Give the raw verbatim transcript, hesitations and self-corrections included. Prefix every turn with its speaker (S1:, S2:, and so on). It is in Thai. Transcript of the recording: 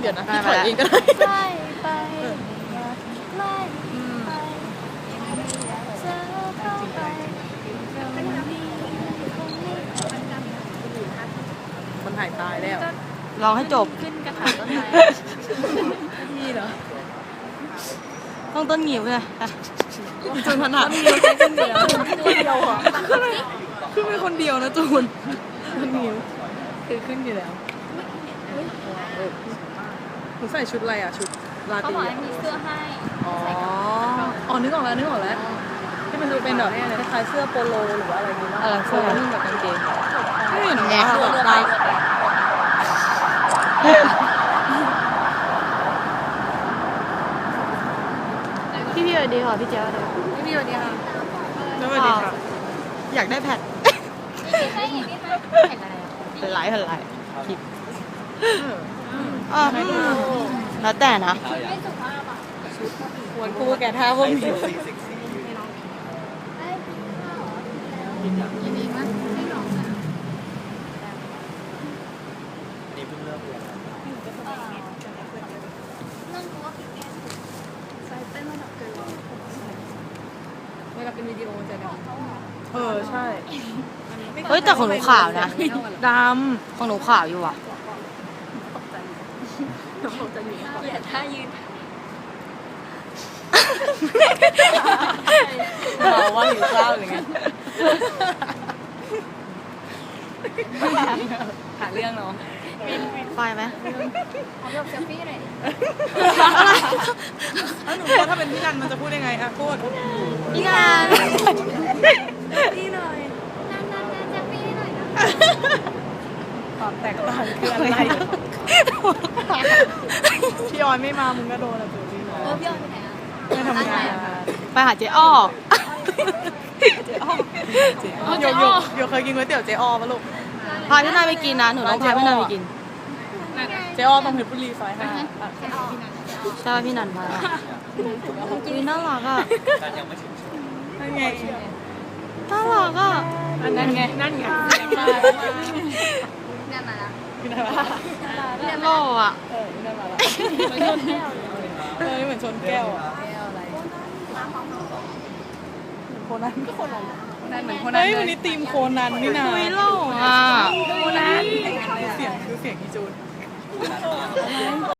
S1: เดี๋ยวนะพี่ถอยเองก็ได้
S2: ใกล้ไปใกล้ไปเจอเข้าไปตรงนี้คงไม่
S1: มันหายตายแล้ว
S3: ลองให้จบ
S2: ขึ้นกระถางต้นไม้
S1: พี่เหรอ
S3: ต้องต้นงิ้วเลยอ่ะ
S1: จูนถนัดมีแค่คนเดียวคนเดียวเหรอคือเป็นคนเดียวนะจูนคนนิ้วคือขึ้นอยู่แล้วหนูใส่ชุดอะไรอ่ะชุดลา
S2: เขา
S1: ตี
S2: บอกให้มีเสื้อให้
S1: อ๋ออ๋อนึกออกแล้วนึกออกแล้วที่มันจะเป็นแบบคล้ายๆเสื้อโปโลหรือว่าอะไรนี้เนาะ
S3: เออเสื้อ
S1: นุ่งกับกางเกงไม่เห็น
S3: แง่
S1: ว่า
S3: ตัว
S1: ลา
S3: พี่พี่สวัสดีค่ะพี่เจ้าเลย
S1: พี่วันนี้ค่ะสวัสดีค่ะอยากได้แพด
S2: ไม่ใช่อย่างนี้ค่ะเห็นอะไรอ่ะ
S3: เป็นไรเป็นไรคลิปอ่าแล้วแต่นะ
S2: ไม่สุภาพอ่ะ
S1: ควรคู่แกท่าพวกนี้
S2: ยินดีมากไม่หลอกนะ
S4: นี่เพิ่งเริ่มเรียน
S2: นั่งตัวพี่แกใส่เต้นระดับเกิน
S1: เวลาเป็นวิดีโอจะดำเออใช่
S3: เฮ้ยแต่ของหนูขาวนะ
S1: ด
S3: ของหนูขาวอยู่อ่ะ
S2: เกลียดท่ายืน
S1: ำเราว่าหิวข้าวหรือไงหาเรื่องเนาะ
S3: ไฟไหม
S2: ขอแบบเซลฟี่หน่อย
S1: แล้วหนูว่าถ้าเป็นพี่นันมันจะพูดยังไงอะพูด
S3: พี่งาน
S1: พี่หน่อย
S2: นั่นนั่นนั่นเซลฟี่หน่อยนะ
S1: ความแตกต่างคืออะไรพี่ออยไม่มามึงก็โดนอะตัวนี้เนาะ
S2: เออพี่ออยไปไหนอ่ะ
S1: ไม่ทำงาน
S3: ไปหาเจ๊อ้อ
S1: เจ๊อ้อโยกโยกโยกเคยกินก๋วยเตี๋ยวเจ๊อ้อปะลูก
S3: พาพี่นายไปกินนะหนูต้องพาพี่นายไปกิน
S1: เจ๊อ้อต้องเพชรบุรีซอยห้า
S3: ใช่พี่นันมาอุ้ยน่ารักอ่ะ
S4: การยังไม่ถึงช่วง
S1: นั่นไง
S3: น่ารักอ่ะ
S1: นั่นไงนั่นไง
S2: เนี่ยมาแล้ว
S1: กินอะไรวะ
S3: โล่อ่ะ
S1: เออกินอะไรวะเออเหมือนชนแก้วอะโคนันก็โคนันนั่นเหมือนโคนันเฮ้ยวันนี้ทีมโคนันนี่นะ
S3: อุ้ยโล่อ่ะ
S1: โคนันเสียงคือเสียงอีจูน